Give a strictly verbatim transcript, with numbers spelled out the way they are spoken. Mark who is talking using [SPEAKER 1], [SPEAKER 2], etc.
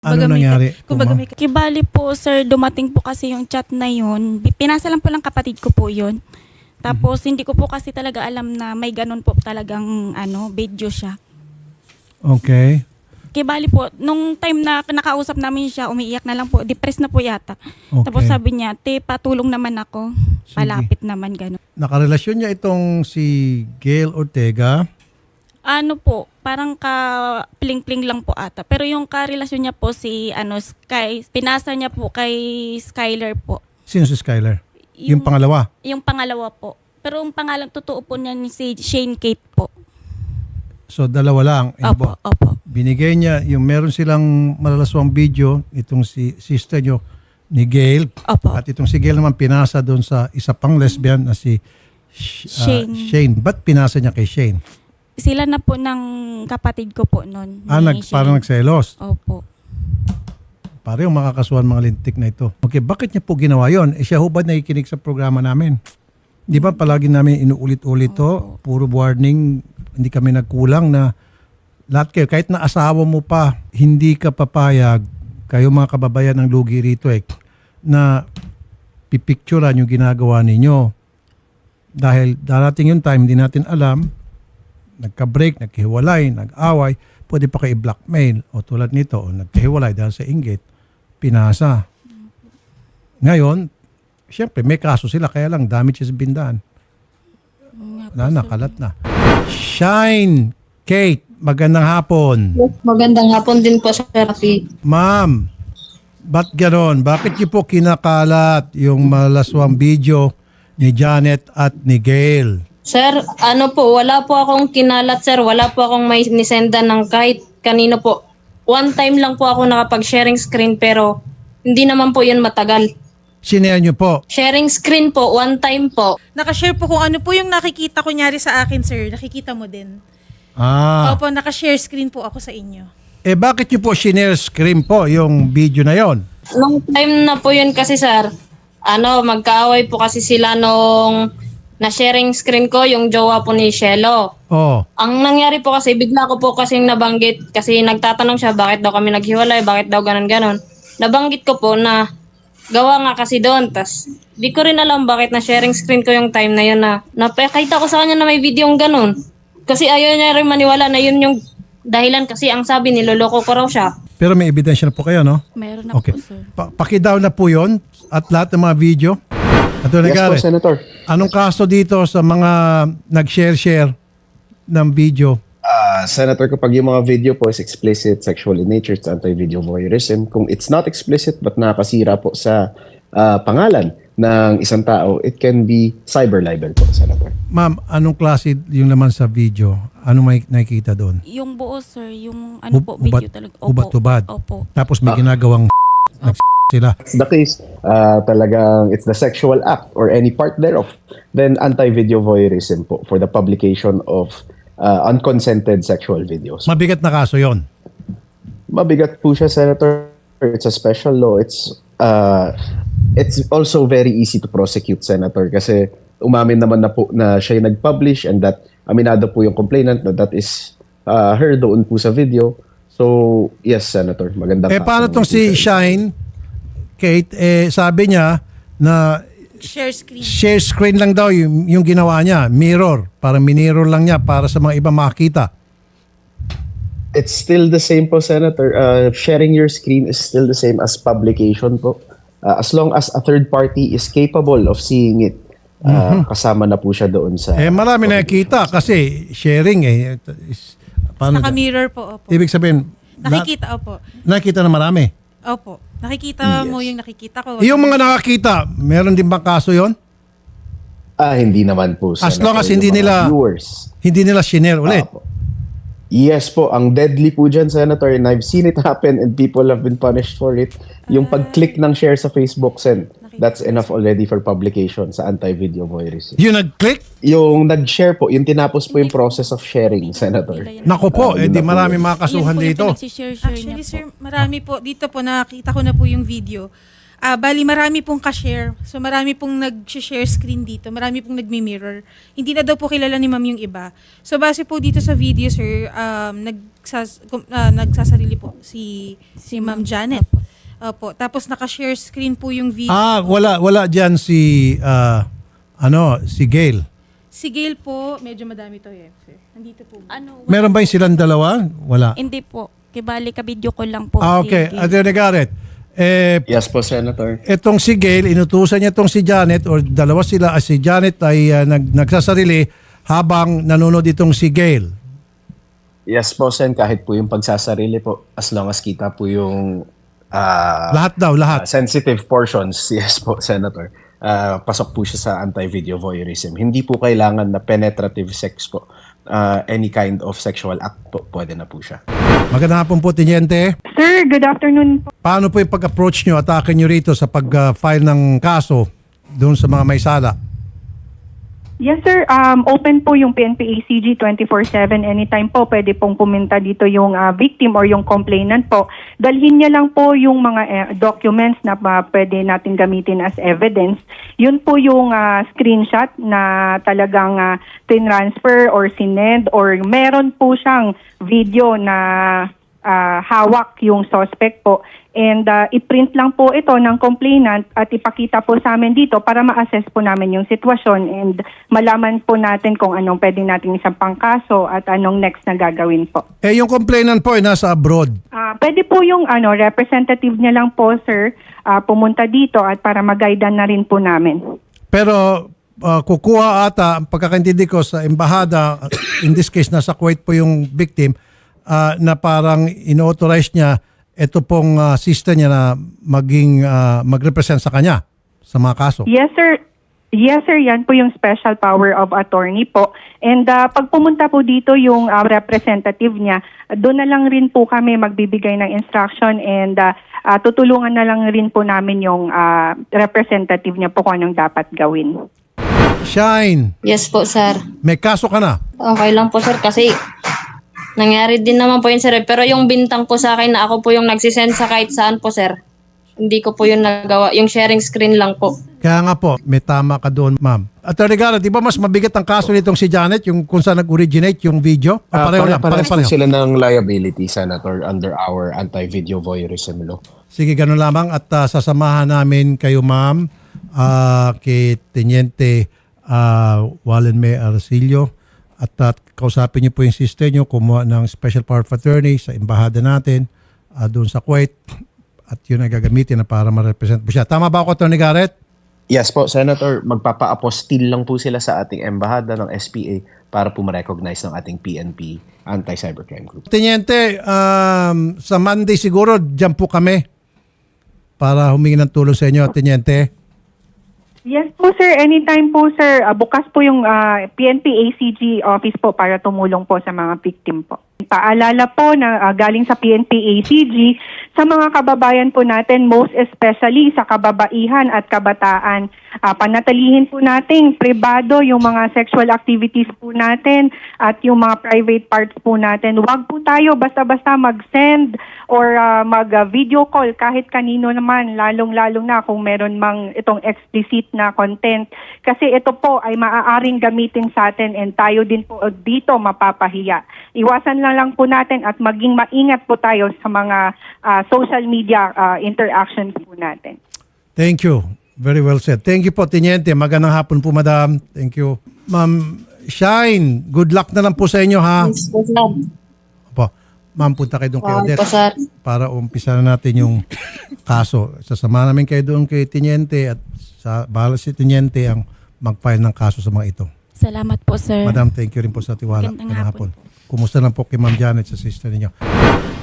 [SPEAKER 1] Ano
[SPEAKER 2] Kumbaga may-
[SPEAKER 1] nangyari?
[SPEAKER 2] Kumbaga may
[SPEAKER 3] Kibali po, sir, dumating po kasi yung chat na yun. Pinasa lang po ng kapatid ko po yun. Tapos, hindi ko po kasi talaga alam na may ganun po talagang ano, video siya.
[SPEAKER 1] Okay.
[SPEAKER 3] Kibali po, nung time na nakausap namin siya, umiiyak na lang po. Depressed na po yata.
[SPEAKER 1] Okay.
[SPEAKER 3] Tapos sabi niya, te, patulong naman ako.
[SPEAKER 1] Sige.
[SPEAKER 3] Palapit naman, ganun.
[SPEAKER 1] Nakarelasyon niya itong si Gail Ortega.
[SPEAKER 3] Ano po, parang ka pling-pling lang po ata. Pero yung karelasyon niya po si ano Sky, pinasa niya po kay Skyler po.
[SPEAKER 1] Sino si Skyler? Yung, pangalawa.
[SPEAKER 3] Yung pangalawa po. Pero yung pangalan totoo po niya ni si Shane Kate po.
[SPEAKER 1] So, dalawa lang. Yun
[SPEAKER 3] Opo,
[SPEAKER 1] po.
[SPEAKER 3] opo.
[SPEAKER 1] Binigay niya, yung meron silang malalaswang video, itong si sister niyo ni Gail.
[SPEAKER 3] Opo.
[SPEAKER 1] At itong si Gail naman pinasa doon sa isa pang lesbian na si Sh- ah,
[SPEAKER 3] Shane.
[SPEAKER 1] Shane. Ba't pinasa niya kay Shane?
[SPEAKER 3] Sila na po ng kapatid ko po noon.
[SPEAKER 1] Ah, nag, parang nagselos.
[SPEAKER 3] Opo.
[SPEAKER 1] Pare yung makakasuhan mga lintik na ito. Okay, bakit niya po ginawa yon? Eh siya ho ba nakikinig sa programa namin? Di ba palagi namin inuulit-ulit to? Puro warning, hindi kami nagkulang na lahat kayo, kahit na asawa mo pa, hindi ka papayag, kayo mga kababayan ng lugi rito eh, na pipicturean yung ginagawa ninyo. Dahil darating yung time, hindi natin alam, nagka-break, nagkihiwalay, nag-away, pwede pa kayo i-blackmail. O tulad nito, o nagkahiwalay dahil sa inggit, pinasa. Ngayon, siyempre may kaso sila, kaya lang damage has been done. Wala na, kalat na. Shine, Kate, magandang hapon.
[SPEAKER 4] Magandang hapon din po, Sir Rafi.
[SPEAKER 1] Ma'am, ba't ganon? Bakit niyo po kinakalat yung malaswang video ni Janet at ni Gail?
[SPEAKER 4] Sir, ano po, wala po akong kinalat, sir. Wala po akong may nisenda ng kahit kanino po. One time lang po ako nakapag-sharing screen pero hindi naman po yun matagal.
[SPEAKER 1] Sinare niyo po.
[SPEAKER 4] Sharing screen po, one time po.
[SPEAKER 2] nakashare po kung ano po yung nakikita kunyari sa akin, sir. Nakikita mo din.
[SPEAKER 1] Ah,
[SPEAKER 2] Opo, nakashare screen po ako sa inyo.
[SPEAKER 1] eh bakit niyo po sinare screen po yung video na yon?
[SPEAKER 4] Nung time na po yun kasi, sir, ano, magkaaway po kasi sila nung na-sharing screen ko, yung jowa po ni Shelo.
[SPEAKER 1] Oh,
[SPEAKER 4] Ang nangyari po kasi, bigla ko po kasing nabanggit kasi nagtatanong siya bakit daw kami naghiwalay, bakit daw ganun-ganon. Nabanggit ko po na gawa nga kasi doon. Tas di ko rin alam bakit na sharing screen ko yung time na yun na napakita ko sa kanya na may video yung ganun. Kasi ayaw niya rin maniwala na yun yung dahilan kasi ang sabi niloloko ko raw siya.
[SPEAKER 1] pero may ebidensya na po kayo, no?
[SPEAKER 3] Meron na
[SPEAKER 1] Okay.
[SPEAKER 3] po, sir.
[SPEAKER 1] Pa pakidaw na po yon at lahat ng mga video. Ato
[SPEAKER 5] Yes po,
[SPEAKER 1] Gare,
[SPEAKER 5] Senator.
[SPEAKER 1] anong kaso dito sa mga nag-share-share ng video?
[SPEAKER 5] Ah, Senator, kapag yung mga video po is explicit, sexual in nature, it's anti-video voyeurism. Kung it's not explicit but nakakasira po sa ah, pangalan ng isang tao, it can be cyber libel po, Senator.
[SPEAKER 1] Ma'am, anong klase yung laman sa video? Anong may nakikita doon?
[SPEAKER 3] Yung buo, sir, yung ano
[SPEAKER 1] Hub-
[SPEAKER 3] po, video
[SPEAKER 1] hubat-
[SPEAKER 3] talaga.
[SPEAKER 1] hubat-hubad.
[SPEAKER 3] Opo.
[SPEAKER 1] Tapos may ginagawang nag sila.
[SPEAKER 5] It's the case, ah, talagang it's the sexual act or any part thereof, then anti-video voyeurism po for the publication of ah, unconsented sexual videos.
[SPEAKER 1] Mabigat na kaso yon.
[SPEAKER 5] Mabigat po siya, Senator. It's a special law. It's uh, it's also very easy to prosecute, Senator, kasi umamin naman na po na siya yung nag-publish and that aminado po yung complainant na that is uh, her doon po sa video. So, yes, Senator. Magandang
[SPEAKER 1] Eh
[SPEAKER 5] kaso
[SPEAKER 1] paano
[SPEAKER 5] naman
[SPEAKER 1] tong
[SPEAKER 5] po,
[SPEAKER 1] si
[SPEAKER 5] Senator.
[SPEAKER 1] Shine, Kate, eh sabi niya na
[SPEAKER 2] Share screen.
[SPEAKER 1] share screen lang daw yung, yung ginawa niya, mirror, para minirror lang niya para sa mga iba makita.
[SPEAKER 5] It's still the same po, Senator. Uh, sharing your screen is still the same as publication po. Uh, as long as a third party is capable of seeing it, uh, kasama na po siya doon sa...
[SPEAKER 1] Eh marami nakikita kasi sharing eh. Is, paano,
[SPEAKER 2] Naka-mirror po, opo.
[SPEAKER 1] ibig sabihin, na,
[SPEAKER 2] Nakikita, opo.
[SPEAKER 1] nakikita na marami.
[SPEAKER 2] Opo. Nakikita mo yung nakikita ko.
[SPEAKER 1] Yung mga nakakita, meron din bang kaso yon?
[SPEAKER 5] Ah, hindi naman po,
[SPEAKER 1] As
[SPEAKER 5] Senator.
[SPEAKER 1] long as
[SPEAKER 5] Yung
[SPEAKER 1] hindi
[SPEAKER 5] mga
[SPEAKER 1] nila-
[SPEAKER 5] Viewers.
[SPEAKER 1] Hindi nila shinare ulit.
[SPEAKER 5] Apo. Yes po, ang deadly po dyan, Senator, and I've seen it happen and people have been punished for it. Yung pag-click ng share sa Facebook, Sen, that's enough already for publication sa anti-video voyeurism.
[SPEAKER 1] Yung nag-click,
[SPEAKER 5] Yung nag-share po, yung tinapos po yung process of sharing, Senator.
[SPEAKER 1] nako po,
[SPEAKER 5] Ah,
[SPEAKER 1] eh
[SPEAKER 5] yun
[SPEAKER 1] di
[SPEAKER 5] na po
[SPEAKER 1] marami
[SPEAKER 5] yun.
[SPEAKER 1] mga kasuhan
[SPEAKER 3] Yun po yung
[SPEAKER 1] dito.
[SPEAKER 3] pinagsishare-share niya
[SPEAKER 2] Actually,
[SPEAKER 3] po.
[SPEAKER 2] sir, marami po. Dito po, nakita ko na po yung video. Ah, bali, marami pong ka-share. So, marami pong nag-share screen dito. Marami pong nagmi-mirror. Hindi na daw po kilala ni ma'am yung iba. So, base po dito sa video, sir, um, nagsas, kum- ah, nagsasarili po si, si Ma'am Janet. Opo. Tapos, naka-share screen po yung video.
[SPEAKER 1] Ah, wala wala diyan si ah, ano, si Gail.
[SPEAKER 2] Si Gail po, medyo madami to eh, sir. Nandito po.
[SPEAKER 3] Ano,
[SPEAKER 1] Meron ba yung silang dalawa? Wala.
[SPEAKER 3] Hindi po. Kibali ka video ko lang po.
[SPEAKER 1] Ah,
[SPEAKER 3] si
[SPEAKER 1] okay.
[SPEAKER 3] Gail.
[SPEAKER 1] Attorney Garrett, eh,
[SPEAKER 5] Yes po, Senator.
[SPEAKER 1] etong si Gail, inutusan niya itong si Janet or dalawa sila, ah, si Janet ay ah, nag, nagsasarili habang nanonood itong si Gail.
[SPEAKER 5] Yes po, Sen. Kahit po yung pagsasarili po, as long as kita po yung ah,
[SPEAKER 1] Lahat daw,
[SPEAKER 5] ah,
[SPEAKER 1] lahat.
[SPEAKER 5] sensitive portions, yes po, Senator. Ah, pasok po siya sa anti-video voyeurism. Hindi po kailangan na penetrative sex po. Ah, any kind of sexual act po, pwede na po siya.
[SPEAKER 1] Magandang hapon po, Teniente.
[SPEAKER 6] Sir, good afternoon po.
[SPEAKER 1] Paano po yung pag-approach nyo, atake nyo rito sa pag-file ng kaso doon sa mga may sala?
[SPEAKER 6] Yes sir, um, open po yung P N P A C G twenty-four seven. Anytime po pwede pong pumunta dito yung ah, victim or yung complainant po. Dalhin niya lang po yung mga eh, documents na ah, pwede natin gamitin as evidence. Yun po yung ah, screenshot na talagang uh, tinransfer or sinend or meron po siyang video na ah, hawak yung suspect po. And uh, i-print lang po ito ng complainant at ipakita po sa amin dito para ma-assess po namin yung sitwasyon and malaman po natin kung anong pwede natin isang pangkaso at anong next na gagawin po.
[SPEAKER 1] Eh, yung complainant po ay nasa abroad.
[SPEAKER 6] Ah, pwede po yung ano representative niya lang po sir ah, pumunta dito at para mag-guidean na rin po namin.
[SPEAKER 1] Pero uh, kukuha ata, ang pagkakaintindi ko sa embahada, in this case nasa Kuwait po yung victim, uh, na parang inauthorize niya ito pong uh, sister niya na maging uh, mag-represent sa kanya sa mga kaso.
[SPEAKER 6] Yes sir. Yes sir, yan po yung special power of attorney po. And uh, pag pumunta po dito yung uh, representative niya, doon na lang rin po kami magbibigay ng instruction and uh, uh, tutulungan na lang rin po namin yung uh, representative niya po kung anong dapat gawin.
[SPEAKER 1] Shine,
[SPEAKER 4] Yes po, sir.
[SPEAKER 1] may kaso ka na.
[SPEAKER 4] Okay lang po, sir, kasi nangyari din naman po yun, sir. Pero yung bintang po sa akin na ako po yung nagsisend sa kahit saan po, sir. Hindi ko po yun nagawa. Yung sharing screen lang po.
[SPEAKER 1] Kaya nga po, may tama ka doon, ma'am. Attorney Garrett, di ba mas mabigat ang kaso nitong si Janet, yung kung saan nag-originate yung video?
[SPEAKER 5] Ah,
[SPEAKER 1] pareho lang,
[SPEAKER 5] pare-
[SPEAKER 1] pareho,
[SPEAKER 5] parehas po
[SPEAKER 1] pareho.
[SPEAKER 5] sila ng liability, Senator, under our anti-video voyeurism law.
[SPEAKER 1] Sige, ganun lamang at uh, sasamahan namin kayo, ma'am, uh, kay Teniente uh, Wallen May Arcillo at uh, kausapin niyo po yung sister niyo, kumuha ng special power of attorney sa embahada natin uh, doon sa Kuwait at yun ang gagamitin na para ma-represent po siya. Tama ba ako, Attorney Garrett?
[SPEAKER 5] Yes po, Senator, magpapa-apostil lang po sila sa ating embahada ng S P A para po ma-recognize ng ating P N P Anti-Cybercrime Group.
[SPEAKER 1] Teniente, um, sa Monday siguro, dyan po kami para humingi ng tulong sa inyo, Teniente.
[SPEAKER 6] Yes po sir, anytime po sir. Uh, bukas po yung uh, P N P A C G office po para tumulong po sa mga victim po. Paalala po na uh, galing sa P N P A C G sa mga kababayan po natin, most especially sa kababaihan at kabataan. Uh, panatilihin po nating pribado yung mga sexual activities po natin at yung mga private parts po natin. Huwag po tayo basta-basta mag-send or uh, mag-video call kahit kanino naman, lalong-lalong na kung meron mang itong explicit na content. Kasi ito po ay maaaring gamitin sa atin and tayo din po dito mapapahiya. Iwasan lang lang po natin at maging maingat po tayo sa mga uh, social media uh, interactions po natin.
[SPEAKER 1] Thank you. Very well said. Thank you po, Teniente. Magandang hapon po, madam. Thank you. Ma'am Shine, good luck na lang po sa inyo, ha?
[SPEAKER 4] Yes po, sir.
[SPEAKER 1] Opo. Ma'am, punta kayo doon kay
[SPEAKER 4] Okay
[SPEAKER 1] Odette
[SPEAKER 4] po, sir.
[SPEAKER 1] para umpisa na natin yung kaso. Sasama namin kayo doon kay Teniente at sa bahala si Teniente ang mag-file ng kaso sa mga ito.
[SPEAKER 3] Salamat po, sir.
[SPEAKER 1] Madam, thank you rin po sa tiwala.
[SPEAKER 3] Magandang
[SPEAKER 1] Magandang
[SPEAKER 3] hapon.
[SPEAKER 1] hapon. Kumusta lang po kay Ma'am Janet sa sister ninyo?